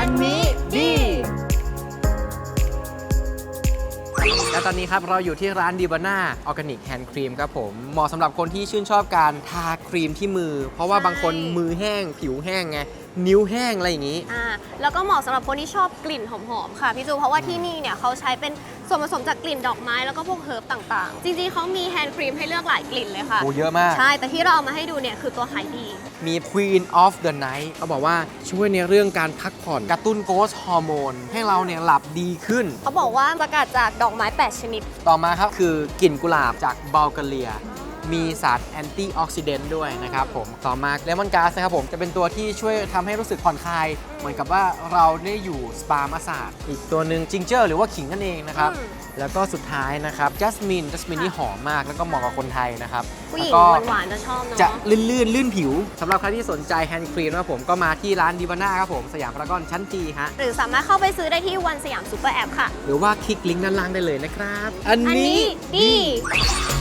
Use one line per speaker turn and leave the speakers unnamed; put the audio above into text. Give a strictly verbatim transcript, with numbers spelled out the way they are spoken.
นนี้ดีและตอนนี้ครับเราอยู่ที่ร้าน Dibana Organic Hand Cream ครับผมเหมาะสำหรับคนที่ชื่นชอบการทาครีมที่มือ เพราะว่าบางคนมือแห้งผิวแห้งไงนิ้วแห้งอะไรอย่างนี้
อ่าแล้วก็เหมาะสำหรับคนที่ชอบกลิ่นหอมๆค่ะพี่จูเพราะว่าที่นี่เนี่ยเขาใช้เป็นส่วนผสมจากกลิ่นดอกไม้แล้วก็พวกเฮิร์บต่างๆ จริงๆเขามีแฮนด์ครีมให้เลือกหลายกลิ่นเลยค่ะ
โอ้เยอะมาก
ใช่แต่ที่เราเอามาให้ดูเนี่ยคือตัวขายดี
มี Queen of the Night เขาบอกว่าช่วยในเรื่องการพักผ่อนกระตุ้นโกรทฮอร์โมนให้เราเนี่ยหลับดีขึ้น
เขาบอกว่าสกัดจากดอกไม้แปดชนิด
ต่อมาครับคือกลิ่นกุหลาบจากบัลแกเรียมีสารแอนตี้ออกซิเดนต์ด้วยนะครับผมต่อมาเลมอนก๊าซนะครับผมจะเป็นตัวที่ช่วยทำให้รู้สึกผ่อนคลายเหมือนกับว่าเราได้อยู่สปามาสาดอีกตัวหนึ่งจิงเจอร์หรือว่าขิงนั่นเองนะครับแล้วก็สุดท้ายนะครับจัสมินจัสมินนี่หอมมากแล้วก็เหมาะกับคนไทยนะครับ
ผู้หญิงหวานๆจะชอบเนาะ
จะลื่นลื่นลื่นผิวสำหรับใครที่สนใจแฮนด์ครีมนะครับผมก็มาที่ร้าน Dibana ครับผมสยามพารากอนชั้นจีฮะ
หรือสามารถเข้าไปซื้อได้ที่วันสยามซูเปอร์แอปค่ะ
หรือว่าคลิกลิงก์ด้านล่างได้เลยนะครับอันนี้
ดี